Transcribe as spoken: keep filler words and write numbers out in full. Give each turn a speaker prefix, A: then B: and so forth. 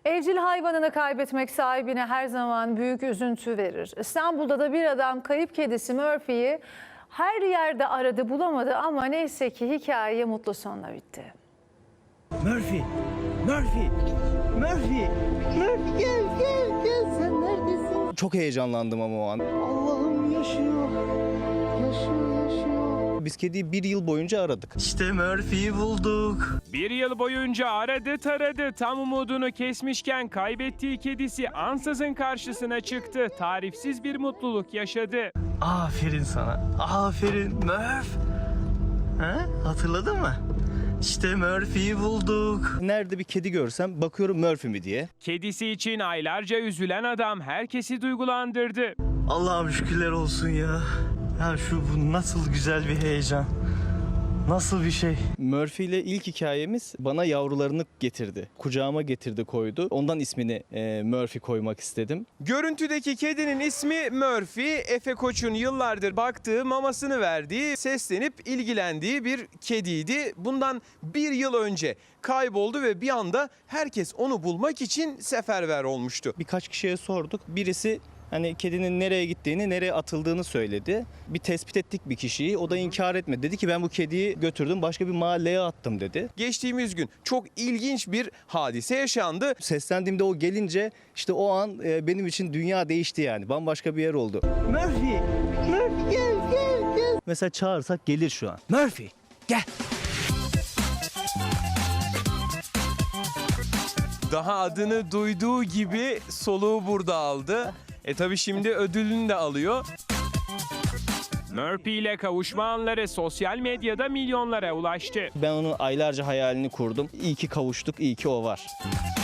A: Evcil hayvanını kaybetmek sahibine her zaman büyük üzüntü verir. İstanbul'da da bir adam kayıp kedisi Murphy'yi her yerde aradı, bulamadı ama neyse ki hikaye mutlu sonla bitti.
B: Murphy, Murphy, Murphy, Murphy gel gel gel, sen neredesin? Çok heyecanlandım ama o an. Allah'ım yaşıyor, yaşıyor, yaşıyor. Biz kediyi bir yıl boyunca aradık. İşte Murphy'yi bulduk.
C: Bir yıl boyunca aradı taradı, tam umudunu kesmişken kaybettiği kedisi ansızın karşısına çıktı. Tarifsiz bir mutluluk yaşadı.
B: Aferin sana, aferin Murph. Ha? Hatırladın mı? İşte Murphy'yi bulduk. Nerede bir kedi görsem bakıyorum Murphy mi diye.
C: Kedisi için aylarca üzülen adam herkesi duygulandırdı.
B: Allah'ım şükürler olsun ya. Ya şu bu nasıl güzel bir heyecan. Nasıl bir şey? Murphy ile ilk hikayemiz bana yavrularını getirdi. Kucağıma getirdi, koydu. Ondan ismini e, Murphy koymak istedim.
D: Görüntüdeki kedinin ismi Murphy. Efe Koç'un yıllardır baktığı, mamasını verdiği, seslenip ilgilendiği bir kediydi. Bundan bir yıl önce kayboldu ve bir anda herkes onu bulmak için seferber olmuştu.
B: Birkaç kişiye sorduk. Birisi hani kedinin nereye gittiğini, nereye atıldığını söyledi. Bir tespit ettik bir kişiyi. O da inkar etmedi. Dedi ki ben bu kediyi götürdüm, başka bir mahalleye attım dedi.
D: Geçtiğimiz gün çok ilginç bir hadise yaşandı.
B: Seslendiğimde o gelince işte o an e, benim için dünya değişti yani. Bambaşka bir yer oldu. Murphy, Murphy gel gel gel. Mesela çağırsak gelir şu an. Murphy gel.
D: Daha adını duyduğu gibi soluğu burada aldı. E tabi şimdi ödülünü de alıyor.
C: Murphy ile kavuşma anları sosyal medyada milyonlara ulaştı.
B: Ben onun aylarca hayalini kurdum. İyi ki kavuştuk, iyi ki o var.